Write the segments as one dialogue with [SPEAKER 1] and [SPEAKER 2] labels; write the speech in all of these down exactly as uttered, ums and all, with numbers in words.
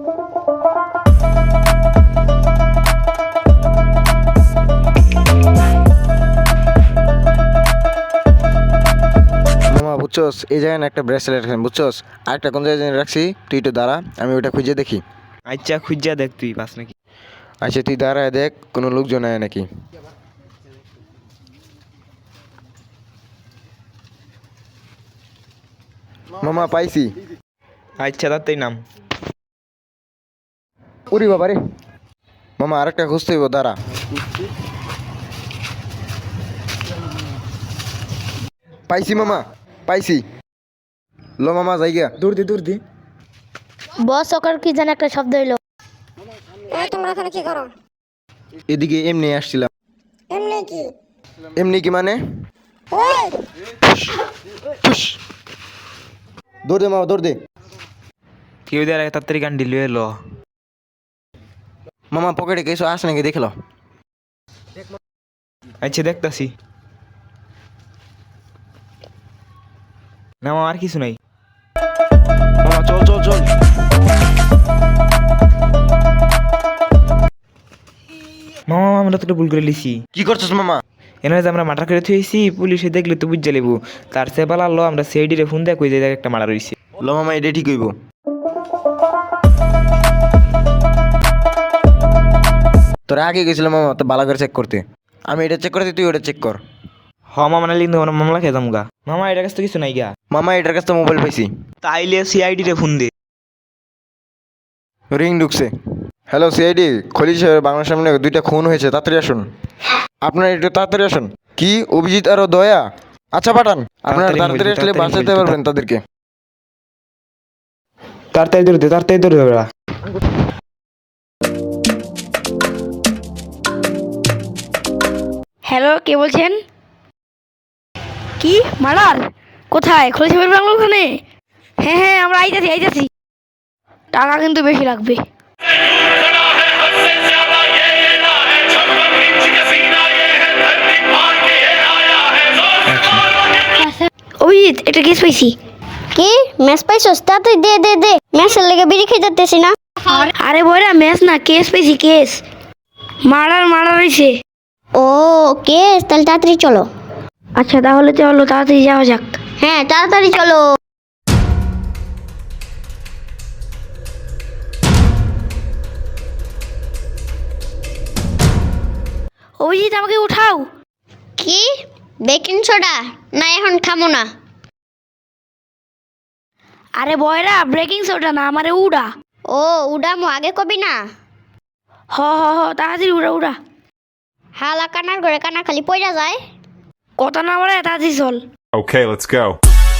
[SPEAKER 1] মামা বুঝছস, এই জায়গায় না একটা ব্রেসলেট রাখেন বুঝছস, আরেকটা কোন জায়গায় রাখছি, তুই একটু দাঁড়া, আমি ওটা খুঁজে দেখি।
[SPEAKER 2] আচ্ছা খুঁজা দেখ তুই পাস নাকি।
[SPEAKER 1] আচ্ছা তুই দাঁড়ায় দেখ কোনো লোকজন আয় নাকি। মামা পাইছি।
[SPEAKER 2] আচ্ছা তাতেই নাম।
[SPEAKER 1] উরি বাবা রে, মামা আরেকটা খুঁজতে হইব, দাঁড়া। পাইছি মামা, পাইছি। লো মামা জায়গা
[SPEAKER 2] দূর দি দূর দি।
[SPEAKER 3] বস ওকার কি জানি একটা শব্দ হইলো।
[SPEAKER 4] এই তোমরা এখানে কি করো?
[SPEAKER 1] এদিকে এমনি আসছিলাম।
[SPEAKER 4] এমনি কি?
[SPEAKER 1] এমনি কি মানে?
[SPEAKER 4] ওই
[SPEAKER 1] ফুস। দৌড় দে মামা, দৌড় দে।
[SPEAKER 2] কেউ দেয় তাড়াতাড়ি গান ডিলিয়ে এলো।
[SPEAKER 1] মামা পকেটে কিছু আস নাকি দেখলো।
[SPEAKER 2] আচ্ছা দেখতাছি। না মামা আর কিছু নাই।
[SPEAKER 1] মামা চল চল চল।
[SPEAKER 2] মামা আমরা তো একটা ভুল করে লিছি।
[SPEAKER 1] কি করছিস মামা?
[SPEAKER 2] এনে যে আমরা মার্ডার করে থুয়েছি, পুলিশে দেখলে তো বুঝা লেবু। তার সে পালালো, আমরা সিআইডি রে ফোন দেয় কই যে একটা মার্ডার হইছে।
[SPEAKER 1] লো মামা এটা ঠিক হইব। তোরা আগে গেছিল মামা তো ভালো করে চেক করতে, আমি এটা চেক করতে, তুই ওটা চেক কর।
[SPEAKER 2] হ মামা নালি কিন্তু আমরা মামলা খেতাম গা। মামা এটার কাছে তো কিছু নাই গা।
[SPEAKER 1] মামা এটার কাছে মোবাইল পাইছি।
[SPEAKER 2] তাইলে সিআইডি রে ফোন দে।
[SPEAKER 1] রিং ঢুকছে। হ্যালো সিআইডি, খলিল সাহেব, বাংলার সামনে দুইটা খুন হয়েছে, তাড়াতাড়ি আসুন। আপনারা একটু তাড়াতাড়ি আসুন। কি অভিজিৎ আর দয়া? আচ্ছা পাঠান, আপনারা
[SPEAKER 2] তাড়াতাড়ি
[SPEAKER 1] তাড়াতাড়ি
[SPEAKER 2] বলছি,
[SPEAKER 1] আসলে
[SPEAKER 2] তাড়াতাড়ি
[SPEAKER 1] বাঁচাতে
[SPEAKER 2] বলছি,
[SPEAKER 1] পারবেন তাদেরকে।
[SPEAKER 2] তাড়াতাড়ি ধরে দে, তাড়াতাড়ি ধরে দে।
[SPEAKER 3] হ্যালো, কে বলছেন? কি মার্ডার? কোথায়? খোঁজ খবর বাংলো ওখানে? হ্যাঁ হ্যাঁ আমরা আইতাছি আইতাছি। টাকা কিন্তু বেশি লাগবে। অভিজিৎ একটা কেস পাইছি।
[SPEAKER 4] কি ম্যাচ পাইছস? তাড়াতাড়ি দে দে দে, ম্যাচের লেগে বিড়ি খেয়ে যাচ্তেছি না।
[SPEAKER 3] আরে বইরা ম্যাচ না, কেস পেয়েছি কেস। মার্ডার মার্ডার হয়েছে।
[SPEAKER 4] ও কেস, তাহলে তাড়াতাড়ি চলো।
[SPEAKER 3] আচ্ছা তাহলে চলো তাড়াতাড়ি যাওয়া যাক।
[SPEAKER 4] হ্যাঁ তাড়াতাড়ি চলো।
[SPEAKER 3] অভিজিৎ আমাকে উঠাও।
[SPEAKER 4] কি বেকিং সোডা? না এখন খামো না।
[SPEAKER 3] আরে বয়রা ব্রেকিং সোডা না, আমারে উড়া।
[SPEAKER 4] ও উডামো, আগে কবি না।
[SPEAKER 3] হ হ হ তাড়াতাড়ি উড়া উড়া।
[SPEAKER 4] হালা কানার ঘরে কানা খালি পয়রা যায়।
[SPEAKER 3] কথা না বলে তাড়াতাড়ি চল।
[SPEAKER 5] Okay, let's go.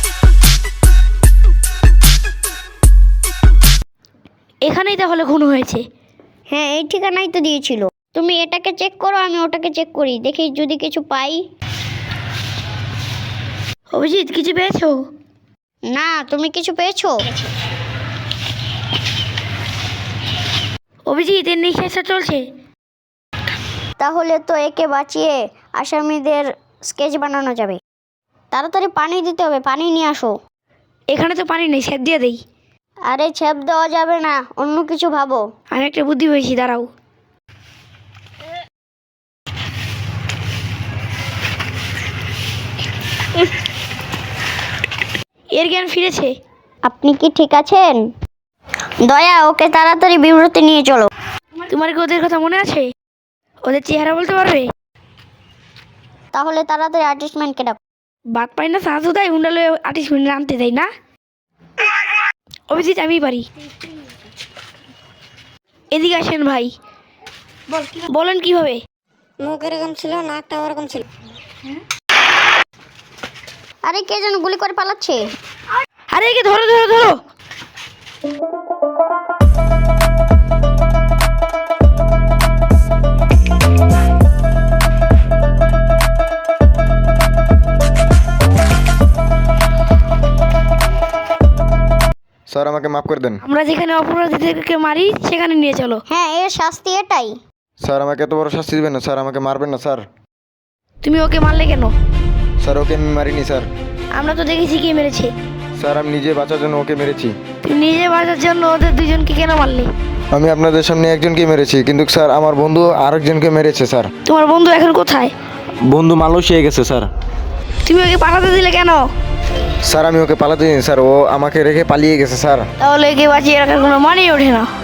[SPEAKER 3] এখানেই তাহলে খুন হয়েছে।
[SPEAKER 4] হ্যাঁ এই ঠিকানাই তো দিয়েছিল। তুমি এটাকে চেক করো, আমি ওটাকে চেক করি, দেখি যদি কিছু পাই।
[SPEAKER 3] অভিজিৎ কিছু পেয়েছো?
[SPEAKER 4] না, তুমি কিছু পেয়েছো?
[SPEAKER 3] অভিজিৎ এর নিঃশ্বাসটা চলছে।
[SPEAKER 4] তাহলে তো একে বাঁচিয়ে আসামিদের স্কেচ বানানো যাবে। তাড়াতাড়ি পানি দিতে হবে, পানি নিয়ে আসো।
[SPEAKER 3] এখানে তো পানি নেই, সেদ দিয়ে দেই।
[SPEAKER 4] আরে ছেপ দেওয়া যাবে না, অন্য কিছু ভাবো।
[SPEAKER 3] আমি একটা বুদ্ধি পেয়েছি, দাঁড়াও। এর জ্ঞান ফিরেছে।
[SPEAKER 4] আপনি কি ঠিক আছেন? দয়া, ওকে তাড়াতাড়ি বিব্রতে নিয়ে চলো।
[SPEAKER 3] তোমার কি ওদের কথা মনে আছে? ওদের চেহারা বলতে পারবে?
[SPEAKER 4] তাহলে তাড়াতাড়ি আর্টিস্টম্যানকে ডাকো।
[SPEAKER 3] বাদ পাই না সাহায্য দেয়, হুন্ডালে আর্টিস্ট মিনিট আনতে দেয় না। অভিজিৎ আমি পারি। এদিকে আসেন ভাই, বলেন কিভাবে?
[SPEAKER 4] মুখ এরকম ছিল, নাকটা ওরকম ছিল। আরে কে যেন গুলি করে পালাচ্ছে।
[SPEAKER 3] আরে একে ধরো ধরো ধরো।
[SPEAKER 1] স্যার আমাকে মাফ করে দেন।
[SPEAKER 3] আমরা যেখানে অপরাধীদেরকে মারি সেখানে নিয়ে চলো।
[SPEAKER 4] হ্যাঁ এর শাস্তি এটাই।
[SPEAKER 1] স্যার আমাকে এত বড় শাস্তি দিবেন না স্যার, আমাকে মারবেন না স্যার।
[SPEAKER 3] তুমি ওকে মারলে কেন?
[SPEAKER 1] স্যার ওকে আমি মারিনি স্যার।
[SPEAKER 3] আমরা তো দেখেছি কে মেরেছে।
[SPEAKER 1] স্যার আমি নিজে বাঁচার জন্য ওকে মেরেছি।
[SPEAKER 3] তুই নিজে বাঁচার জন্য ওদের দুজনকে কেন মারলি?
[SPEAKER 1] আমি আপনাদের সামনে একজনকে মেরেছি, কিন্তু স্যার আমার বন্ধু আরেকজনকে মেরেছে স্যার।
[SPEAKER 3] তোমার বন্ধু এখন কোথায়?
[SPEAKER 1] বন্ধু মালয়েশিয়া গেছে স্যার।
[SPEAKER 3] তুমি ওকে পাঠাতে দিলে কেন?
[SPEAKER 1] স্যার আমি ওকে পালাতে দিন স্যার, ও আমাকে রেখে পালিয়ে গেছে স্যার।
[SPEAKER 3] তাহলে একে বাঁচিয়ে রাখার কোনো মানেই ওঠে না।